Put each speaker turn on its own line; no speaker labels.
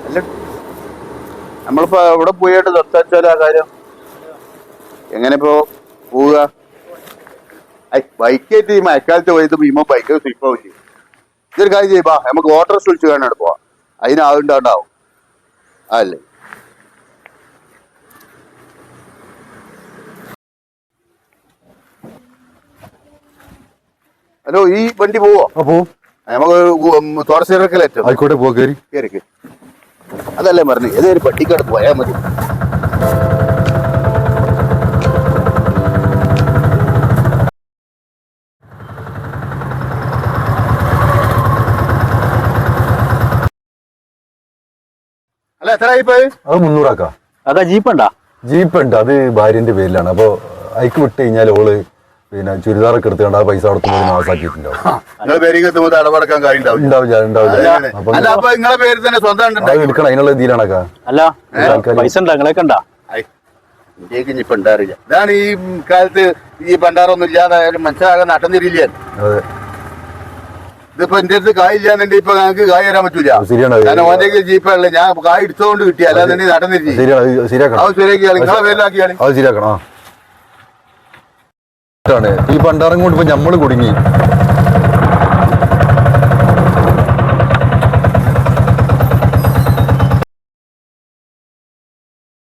അല്ല നമ്മളിപ്പോ എവിടെ പോയിട്ട് സംസാരിച്ചാലോ ആ കാര്യം എങ്ങനെ ഇപ്പോ പോവുക? ബൈക്കായിട്ട് ഈ മഴക്കാലത്ത് പോയത് ഭീമോ ബൈക്ക് സ്ലിപ്പാവും ചെയ്യും. ഇതൊരു കാര്യം ചെയ്യുമ്പോ നമുക്ക് ഓട്ടോ വിളിച്ച് കാണാൻ പോവാം. അതിന് ആളുണ്ടാവും അല്ലേ? ഹലോ, ഈ വണ്ടി പോവോ?
പോവും.
നമുക്ക് തോറശ്ശേരിക്കലെത്തും.
ആയിക്കോട്ടെ, പോ. കയറി
കേറിക്ക്. അതല്ലേ പറഞ്ഞു, ഏതൊരു പട്ടിക്കാട് പോയാൽ മതി. അല്ല എത്രയായി പോയി?
അത് 300
അതാ ജീപ്പുണ്ടാ?
ജീപ്പ് ഉണ്ട്, അത് ഭാര്യന്റെ പേരിലാണ്. അപ്പൊ അയക്ക് വിട്ട് കഴിഞ്ഞാൽ ഓള് പിന്നെ ചുരിദാറൊക്കെ എടുത്തുകൊണ്ട് ആ പൈസ അവിടെ മാസാക്കിയിട്ടുണ്ടാവും.
അടവടക്കാൻ നിങ്ങളെ പേര് തന്നെ സ്വന്തം
എടുക്കണം, അതിനുള്ള ഇതിലാണക്കാ.
അല്ല പൈസ ഉണ്ടാ നിങ്ങളൊക്കെ ഉണ്ടാ?
ഇപ്പൊ ഉണ്ടാറില്ല. ഇതാണ് ഈ കാലത്ത് ഈ പണ്ടാറൊന്നും ഇല്ലാതെ മനസ്സിലാകാൻ നട്ടം തിരിയില്ല.
അതെ,
ഇതിപ്പോ എന്റെ അടുത്ത് കായ് ഇല്ലാന്നുണ്ട് ഇപ്പൊ ഞങ്ങൾക്ക് കായ് തരാൻ പറ്റൂല.
ശരിയാണ്.
കാരണം ഓന്റെ ജീപ്പല്ലേ ഞാൻ കായ് എടുത്തോണ്ട് കിട്ടി, അല്ലാതെ നട്ടം തിരിച്ചു.
ശരിയാക്കണം,
അത് ശരിയാക്കിയാൽ നിങ്ങളെ പേരിലാക്കിയാൽ
അത് ശരിയാക്കണം. ഈ പണ്ടാറം കൊണ്ട് ഇപ്പൊ ഞമ്മള് കുടുങ്ങി.